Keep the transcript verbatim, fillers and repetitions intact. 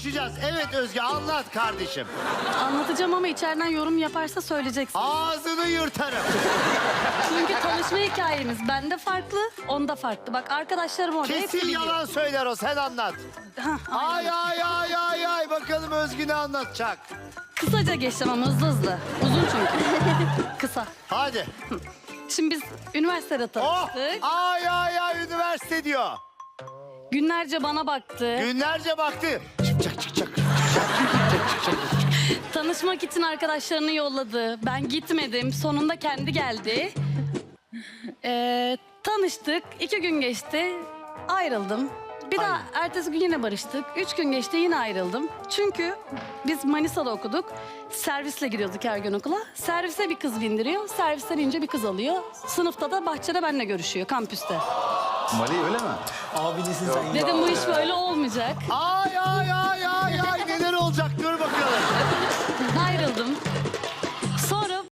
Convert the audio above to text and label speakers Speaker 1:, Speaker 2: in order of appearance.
Speaker 1: konuşacağız. Evet Özge, anlat kardeşim.
Speaker 2: Anlatacağım ama içeriden yorum yaparsa söyleyeceksin.
Speaker 1: Ağzını yırtarım.
Speaker 2: Çünkü tanışma hikayemiz bende farklı, onda farklı. Bak arkadaşlarım orada hepsi
Speaker 1: Kesin
Speaker 2: biliyor.
Speaker 1: yalan söyler o, sen anlat.
Speaker 2: Hah,
Speaker 1: Ay ay ay ay ay, bakalım Özgü ne anlatacak.
Speaker 2: Kısaca geçeceğim ama hızlı hızlı. Uzun çünkü. Kısa.
Speaker 1: Hadi.
Speaker 2: Şimdi biz üniversitede
Speaker 1: Oh,
Speaker 2: tanıştık.
Speaker 1: ay ay ay, üniversite diyor.
Speaker 2: Günlerce bana baktı.
Speaker 1: Günlerce baktı. Çıkacak çıkacak.
Speaker 2: Tanışmak için arkadaşlarını yolladı. Ben gitmedim. Sonunda kendi geldi. Ee, tanıştık. İki gün geçti. Ayrıldım. Bir daha ertesi gün yine barıştık. Üç gün geçti, yine ayrıldım. Çünkü biz Manisa'da okuduk. Servisle gidiyorduk her gün okula. Servise bir kız bindiriyor. Servisten ince bir kız alıyor. Sınıfta da bahçede benimle görüşüyor, kampüste.
Speaker 3: Mali öyle mi?
Speaker 4: Abinisin sen.
Speaker 2: Dedim bu iş böyle olmayacak.
Speaker 1: Ay ay ay